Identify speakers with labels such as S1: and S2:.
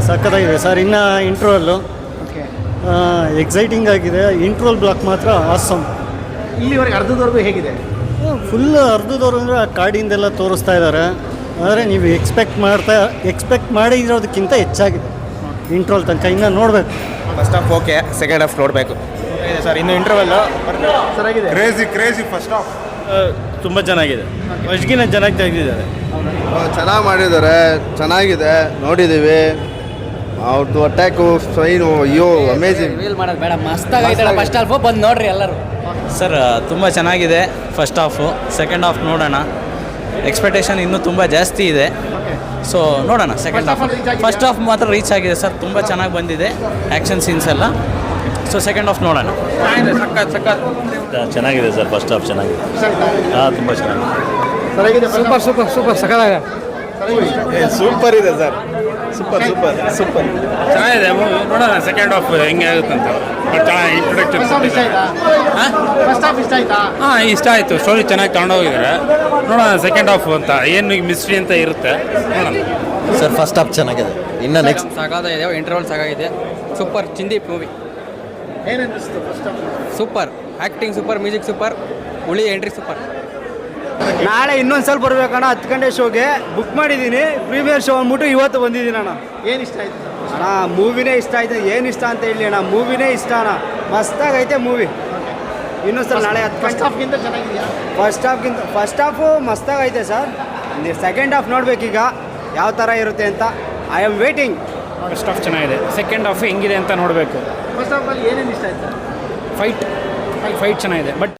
S1: ಸಖತ್ತಾಗಿದೆ ಸರ್. ಇನ್ನು ಇಂಟ್ರೋವಲ್ಲು
S2: okay,
S1: exciting ಆಗಿದೆ. ಇಂಟ್ರೋಲ್ ಬ್ಲಾಕ್ ಮಾತ್ರ ಆಸಮ್.
S2: ಇಲ್ಲಿವರೆಗೆ ಅರ್ಧದವರೆಗೂ ಹೇಗಿದೆ?
S1: ಫುಲ್ ಅರ್ಧದವ್ರು ಅಂದರೆ ಕಾಡಿಂದೆಲ್ಲ ತೋರಿಸ್ತಾ ಇದ್ದಾರೆ. ಆದರೆ ನೀವು ಎಕ್ಸ್ಪೆಕ್ಟ್ ಮಾಡಿರೋದಕ್ಕಿಂತ ಹೆಚ್ಚಾಗಿದೆ ಇಂಟ್ರೋಲ್ ತನಕ. ಇನ್ನು ನೋಡಬೇಕು.
S3: First half okay, second half ನೋಡಬೇಕು ಸರ್. ಇನ್ನು ಇಂಟರ್ವಲ್ಲು
S2: ಸರಿಯಾಗಿದೆ.
S3: ಕ್ರೇಜಿ ಫಸ್ಟ್ ಹಾಫ್
S1: ತುಂಬ ಚೆನ್ನಾಗಿದೆ. ಫಸ್ಟ್ಗಿನ ಚೆನ್ನಾಗಿ ತೆಗೆದಿದ್ದಾರೆ.
S4: ಚೆನ್ನಾಗಿ ಮಾಡಿದ್ದಾರೆ, ಚೆನ್ನಾಗಿದೆ, ನೋಡಿದ್ದೀವಿ. ಅವ್ರದ್ದು ಅಟ್ಯಾಕು ಸ್ಟ್ರೈನು, ಅಯ್ಯೋ ಅಮೇಜಿಂಗ್.
S5: ರಿವೀಲ್ ಮಾಡೋದು ಬೇಡ, ಮಸ್ತಾಗೈತೆ ಫಸ್ಟ್ ಹಾಫು, ಬಂದು ನೋಡ್ರಿ ಎಲ್ಲರೂ.
S6: ಸರ್ ತುಂಬ ಚೆನ್ನಾಗಿದೆ ಫಸ್ಟ್ ಹಾಫು. ಸೆಕೆಂಡ್ ಹಾಫ್ ನೋಡೋಣ. ಎಕ್ಸ್ಪೆಕ್ಟೇಷನ್ ಇನ್ನೂ ತುಂಬ ಜಾಸ್ತಿ ಇದೆ. ಸೊ ನೋಡೋಣ ಸೆಕೆಂಡ್ ಹಾಫ್. ಫಸ್ಟ್ ಹಾಫ್ ಮಾತ್ರ ರೀಚ್ ಆಗಿದೆ ಸರ್, ತುಂಬ ಚೆನ್ನಾಗಿ ಬಂದಿದೆ ಆ್ಯಕ್ಷನ್ ಸೀನ್ಸ್ ಎಲ್ಲ. ಸೊ ಸೆಕೆಂಡ್ ಹಾಫ್ ನೋಡೋಣ.
S2: ಸಖತ್
S7: ಚೆನ್ನಾಗಿದೆ ಸರ್. ಫಸ್ಟ್ ಹಾಫ್ ಚೆನ್ನಾಗಿದೆ. ಹಾಂ, ತುಂಬ ಚೆನ್ನಾಗಿದೆ.
S2: ಸರಿಯಾಗಿದೆ.
S5: ಸೂಪರ್ ಸಖತ್ತಾಗಿದೆ.
S3: ಸೂಪರ್ ಇದೆ ಸರ್. ಸೂಪರ್
S8: ಚೆನ್ನಾಗಿದೆ ಮೂವಿ. ನೋಡೋಣ ಸೆಕೆಂಡ್ ಹಾಫ್ ಹೆಂಗೆ ಆಗುತ್ತಂತ. ಬಟ್ ಚೆನ್ನಾಗಿ ಇಂಟ್ರೊಡಕ್ಷನ್.
S2: ಫಸ್ಟ್ ಹಾಫ್ ಇಷ್ಟ ಆಯ್ತಾ?
S8: ಹಾಂ, ಇಷ್ಟ ಆಯಿತು. ಸ್ಟೋರಿ ಚೆನ್ನಾಗಿ ತಗೊಂಡೋಗಿದ್ದಾರೆ. ನೋಡೋಣ ಸೆಕೆಂಡ್ ಹಾಫ್ ಅಂತ ಏನು ಮಿಸ್ಟ್ರಿ ಅಂತ ಇರುತ್ತೆ, ನೋಡೋಣ.
S4: ಸರ್ ಫಸ್ಟ್ ಹಾಫ್ ಚೆನ್ನಾಗಿದೆ. ಇನ್ನು ನೆಕ್ಸ್ಟ್
S5: ಸಾಕಾಗಿದೆ. ಇಂಟರ್ವಲ್ ಸಾಕಾಗಿದೆ. ಸೂಪರ್ ಚಿಂದಿ ಮೂವಿ.
S2: ಏನನ್ನಿಸ್ತು first half?
S5: Super acting, super music, super ಉಳಿ ಎಂಟ್ರಿ, ಸೂಪರ್.
S1: ನಾಳೆ ಇನ್ನೊಂದು ಸಲ ಬರ್ಬೇಕಣ್ಣ. 10 ಗಂಟೆ ಶೋಗೆ ಬುಕ್ ಮಾಡಿದ್ದೀನಿ. ಪ್ರೀಮಿಯರ್ ಶೋ ಅಂದ್ಬಿಟ್ಟು ಇವತ್ತು ಬಂದಿದ್ದೀನಿ ಅಣ್ಣ.
S2: ಏನು ಇಷ್ಟ ಆಯ್ತು ಸರ್?
S1: ಅಣ್ಣ ಮೂವಿನೇ ಇಷ್ಟ ಆಯ್ತು. ಏನು ಇಷ್ಟ ಅಂತ ಹೇಳಿ ಅಣ್ಣ, ಮೂವಿನೇ ಇಷ್ಟ ಅಣ್ಣ. ಮಸ್ತಾಗೈತೆ ಮೂವಿ. ಇನ್ನೊಂದು ಸಲ ನಾಳೆ 10
S2: ಫಸ್ಟ್
S1: ಗಂಟೆ.
S2: ಹಾಫ್ಗಿಂತ ಚೆನ್ನಾಗಿದೆಯಾ?
S1: ಫಸ್ಟ್ ಹಾಫು ಮಸ್ತಾಗೈತೆ ಸರ್. ಸೆಕೆಂಡ್ ಹಾಫ್ ನೋಡ್ಬೇಕೀಗ ಯಾವ ಥರ ಇರುತ್ತೆ ಅಂತ. I am waiting.
S8: First half ಚೆನ್ನಾಗಿದೆ. ಸೆಕೆಂಡ್ ಹಾಫ್ ಹೆಂಗಿದೆ ಅಂತ ನೋಡಬೇಕು.
S2: ಫಸ್ಟ್ ಹಾಫಲ್ಲಿ ಏನೇನು ಇಷ್ಟ ಆಯ್ತು?
S8: ಫೈಟ್ ಚೆನ್ನಾಗಿದೆ. ಬಟ್